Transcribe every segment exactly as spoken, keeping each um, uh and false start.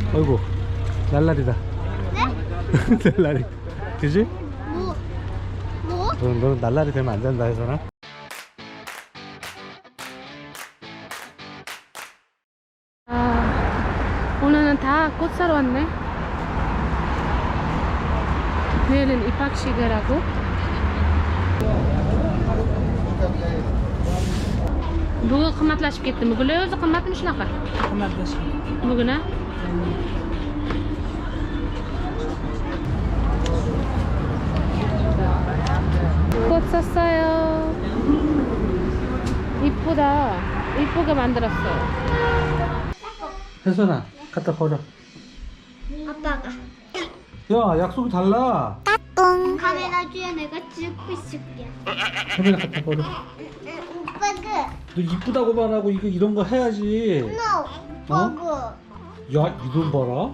어이구 날라리다. 네? 날라리. 그지? 뭐? 뭐? 너는, 너는 날라리 되면 안 된다 해서나? 아, 오늘은 다 꽃 사러 왔네. 내일은 입학식을 하고. Bugun qimmatlashib ketdimi? Bular o'zi qimmatmi shunaqa? Qimmatlashgan. Bugun a? 꽃 샀어요. 이쁘다. 이쁘게 만들었어요. 혜선아 갖다 버려. 아빠가. 야 약속이 달라. 카메라 뒤에 내가 찍고 있을게. 카메라 갖다 버려. 오빠가. 너 이쁘다고만 하고 이거 이런 거 해야지. No. 어? 오빠가. 야 이돈 봐라.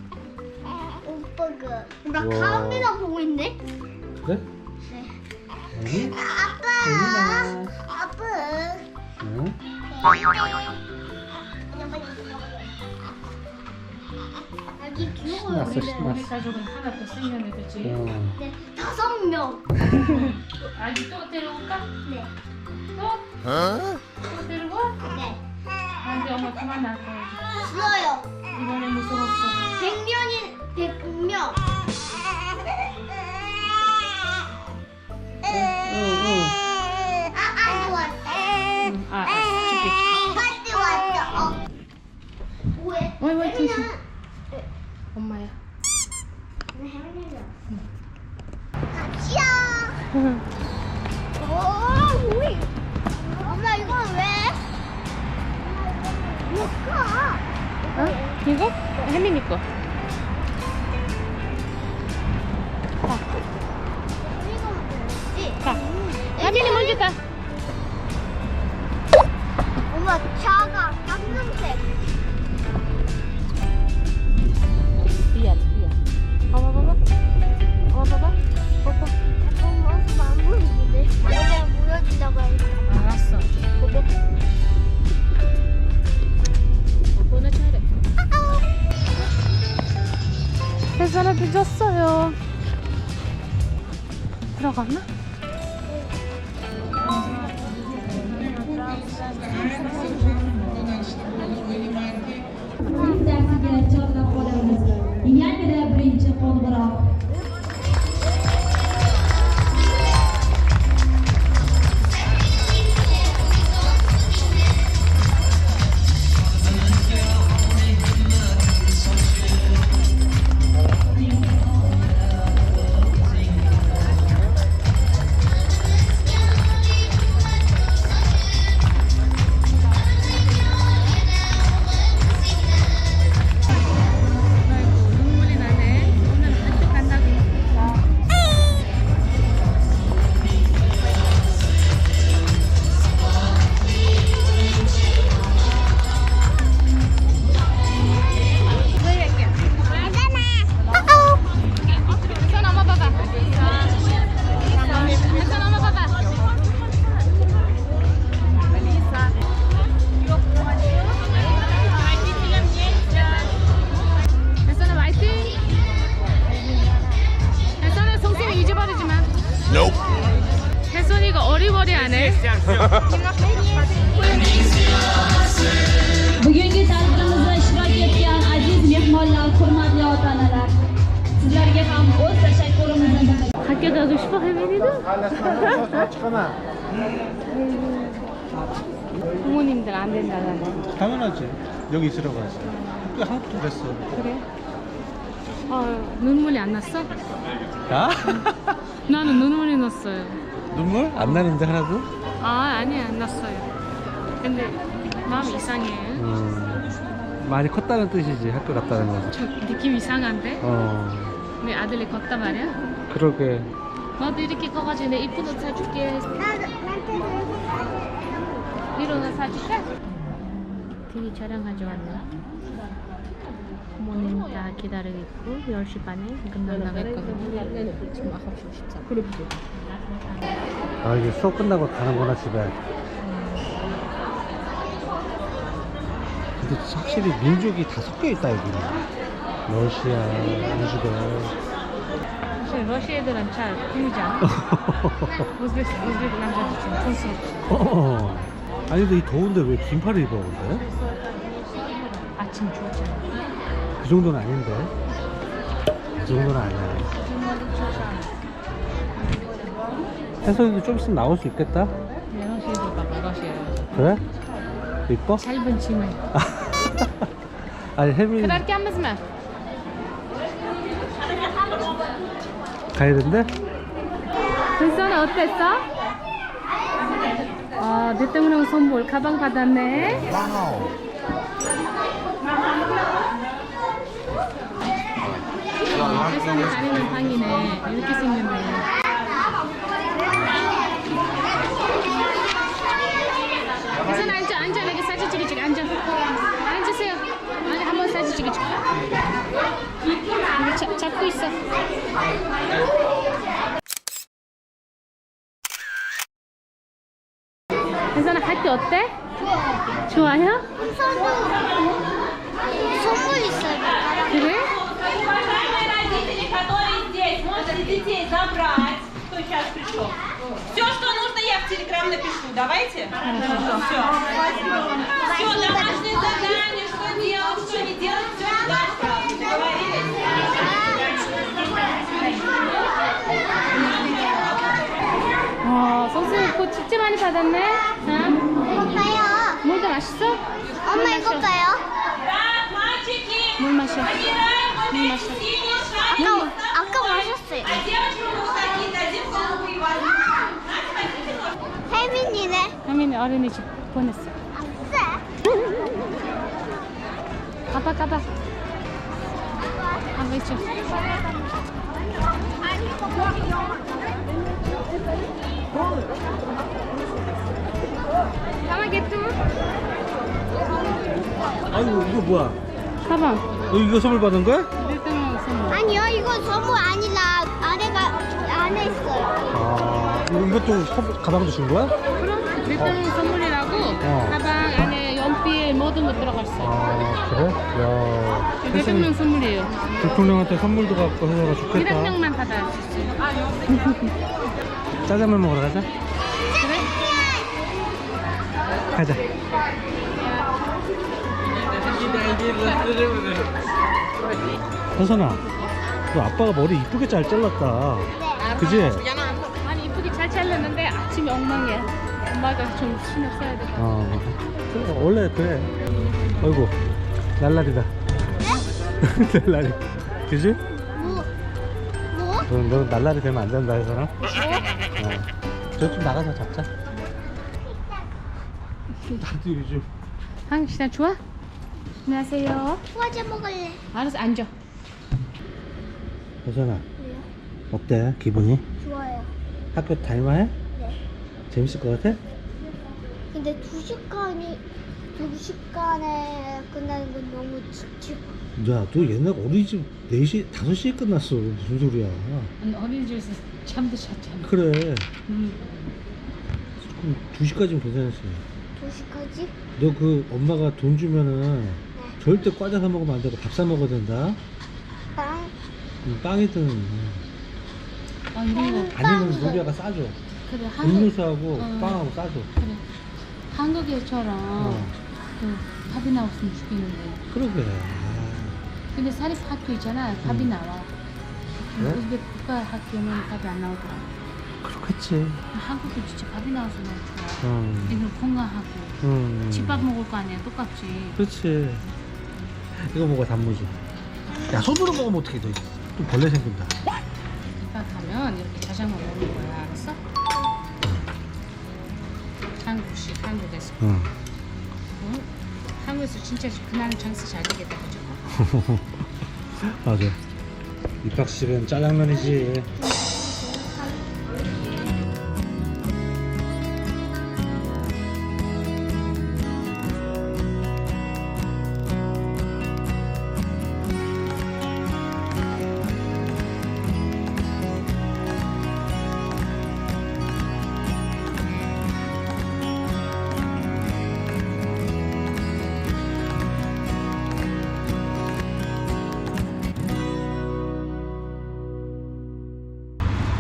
오빠가. 나 우와. 카메라 보고 있네. 그래? 네. 여기? 아빠. 아빠. 응? 여기 귀여워요. 신났어 신났어. 가족은 하나 더 생겼네, 그치? 어. 네, 다섯 명. 아직 또 데려올까? 네. 또? 또 데리고? 네. 안돼, 엄마 그만 나가야지. 싫어요. 이번에 무서웠어. 백 명이 백 명. 아, 아니 왔다. 응, 아, 아, 줄게, 줄게. 빨리 왔다. 어. 왜? 어이, 어이, 조심. 엄마야. 같이야. 오, 우리. 엄마 이건 왜? 뭐가? 어? 이거? 혜민이 거. 이거 뭐지? 가. 혜민이 먼저 가. 엄마 차가 깜깜색. 미안, 미안. 봐봐, 봐봐. 봐봐, 봐봐. 봐봐. 엄마 안 보이는데. 내가 보여준다고 했어. 알았어. 보고. 보고는 잘해. 혜선아 늦었어요. 들어갔나? Dersiga chorlab qolamiz. Yangida birinchi qo'ng'iroq. 아이고, 눈물이 나네. 오늘 학교 간다고. 혜선 엄마 봐봐. 혜선 엄마 봐봐. 혜선아 화이팅! 혜선아 송쌤이 잊어버리지 마. 혜선이가 어리버리하네. Bugungi tadbirimizda ishtirok etgan aziz mehmonlar, hurmatli ota-onalar, sizlarga ham o'z tashakkurimizni bildiramiz. 학교 가고 싶어 혜민이도? 부모님들 안 된다잖아. 당연하지. 여기 있으라고 하지. 또 한국도 됐어. 그래? 어, 눈물이 안 났어? 야? 나는 눈물이 났어요. 눈물? 안 나는데 하나도? 아, 아니 안 났어요. 근데 마음이 이상해. 음, 많이 컸다는 뜻이지. 학교 갔다는 건. 좀 느낌 이상한데? 어, 내 아들이 걷다 말이야? 그러게. 나도 이렇게 커가지고 내 이쁜 옷 사줄게. 나도 나한테 이런 옷 사줄까? 티비 촬영하러 왔네. 부모님 다 기다리고 있고 열 시 반에 금방 나갔거든요. 지금 아홉 시 오십사 분. 아 이제 수업 끝나고 가는구나 집에. 근데 확실히 민족이 다 섞여 있다 여기. 러시아, 우즈벡. 사실 러시아 애들은 잘 보이지 않아? 우즈벡, 우즈벡 남자들 좀 촌스럽지. 어. 아니 근데 이 더운데 왜 긴팔을 입어 근데? 아침 좋잖아. 그 정도는 아닌데. 그 정도는 아니야. 혜선이도 좀 있으면 나올 수 있겠다. 네, 러시아 애들 봐봐, 러시아. 그래? 이뻐? 짧은 치마. 아니 혜민이 그렇게 mı? 가야 된대? 은서는 어땠어? 아, 대통령 선물 가방 받았네. 혜선이 다니는 방이네. 이렇게 생겼네. 혜선 앉아, 앉아. 여기 사진 찍어줄게. 앉아. 앉으세요. 앉아, 한번 사진 찍어줄게. 이거 잡, 잡고 있어. 혜선아, 학교 어때? 좋아요. 좋아요? 선물 선물 있어요. 그래? Родители, которые здесь, можете детей забрать. Кто сейчас пришел? Все, что нужно, я в Телеграм напишу. Давайте? Хорошо. Все. Все, домашнее задание, что делать, что не делать, все туда сразу. Договорились? 어, 선생님 곧 진짜 많이 받았네? 자, 이거 봐요. 물도 맛있어? 엄마 이거 봐요. Так, мальчики, 물 마셔. собираем вот 물 эти 마셔. синие шарики. 아까 아까 마셨어요. А девочкам вот такие дадим голубые возьмем. Надя, возьмите нож. 혜민이네. 혜민이 어린이집 보냈어. 아싸. 가봐, 가봐. 가봐, 있죠. 가만 개뚜. 아이고 이거 뭐야? 가방. 너 이거 선물 받은 거야? 대통령 선물. 아니요, 이거 선물 아니라 안에가 안에 있어요. 아 이거, 이것도 선- 가방도 준 거야? 그럼 대통령 선물이라고 어. 가방 안에 연필 모든 거 들어가 있어. 아 그래? 야 대통령 혜선이 선물이에요. 대통령한테 선물도 갖고 해서가 좋겠다. 일 학년만 받아할 수 있어요. 짜장면 먹으러 가자. 그래? 가자. 혜선아, 너 아빠가 머리 이쁘게 잘 잘랐다. 그지? 아니 이쁘게 잘 잘랐는데 아침이 엉망이야. 엄마가 좀 신경 써야 돼. 어, 그래, 원래 그래. 어이구, 날라리다. 날라리. 그지? 뭐? 뭐? 너, 너 날라리 되면 안 된다, 혜선아. 어. 저 좀 나가서 잡자. 나도 요즘. 한국 시장 좋아? 안녕하세요. 과자 먹을래. 알았어, 앉아. 혜선아, 왜요? 어때? 기분이? 좋아요. 학교 다닐만해? 네. 재밌을 것 같아? 근데 두 시간이 두 시간에 끝나는 건 너무 칙칙. 야, 너 옛날 어린이집 네 시, 다섯 시에 끝났어. 무슨 소리야. 아니, 어린이집에서 잠도 잤잖아. 그래. 음. 그럼 두 시까지는 괜찮았어. 두 시까지? 너 그 엄마가 돈 주면은 절대 과자 사 먹으면 안 되고 밥 사 먹어야 된다. 빵. 음, 빵이든 아, 이런 거. 아니면 빵이든. 루비아가 싸줘. 그래, 한국, 음료수하고 어. 빵하고 싸줘. 그래. 한국에처럼 어. 그 밥이 나왔으면 좋겠는데. 그러게. 근데 사립 학교 있잖아, 밥이 음. 나와. 그래? 우즈벡 국가 학교는 밥이 안 나오더라. 그렇겠지. 한국은 진짜 밥이 나와서 너무 좋아. 음. 애들 건강하고. 음. 집밥 먹을 거 아니야, 똑같지. 그렇지. 이거 먹어, 단무지. 야, 손으로 먹으면 어떻게 돼? 또 벌레 생긴다. 집밥 하면 이렇게 자장가 먹는 거야, 알았어? 한국식, 한국에서. 응. 응? 한국에서 진짜 그날은 장사 잘 되겠다, 그죠? 맞아. 입학식은 짜장면이지.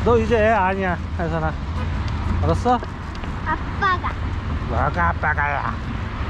너 이제 애 아니야, 혜선아. 알았어? 아빠가. 뭐가 아빠가야.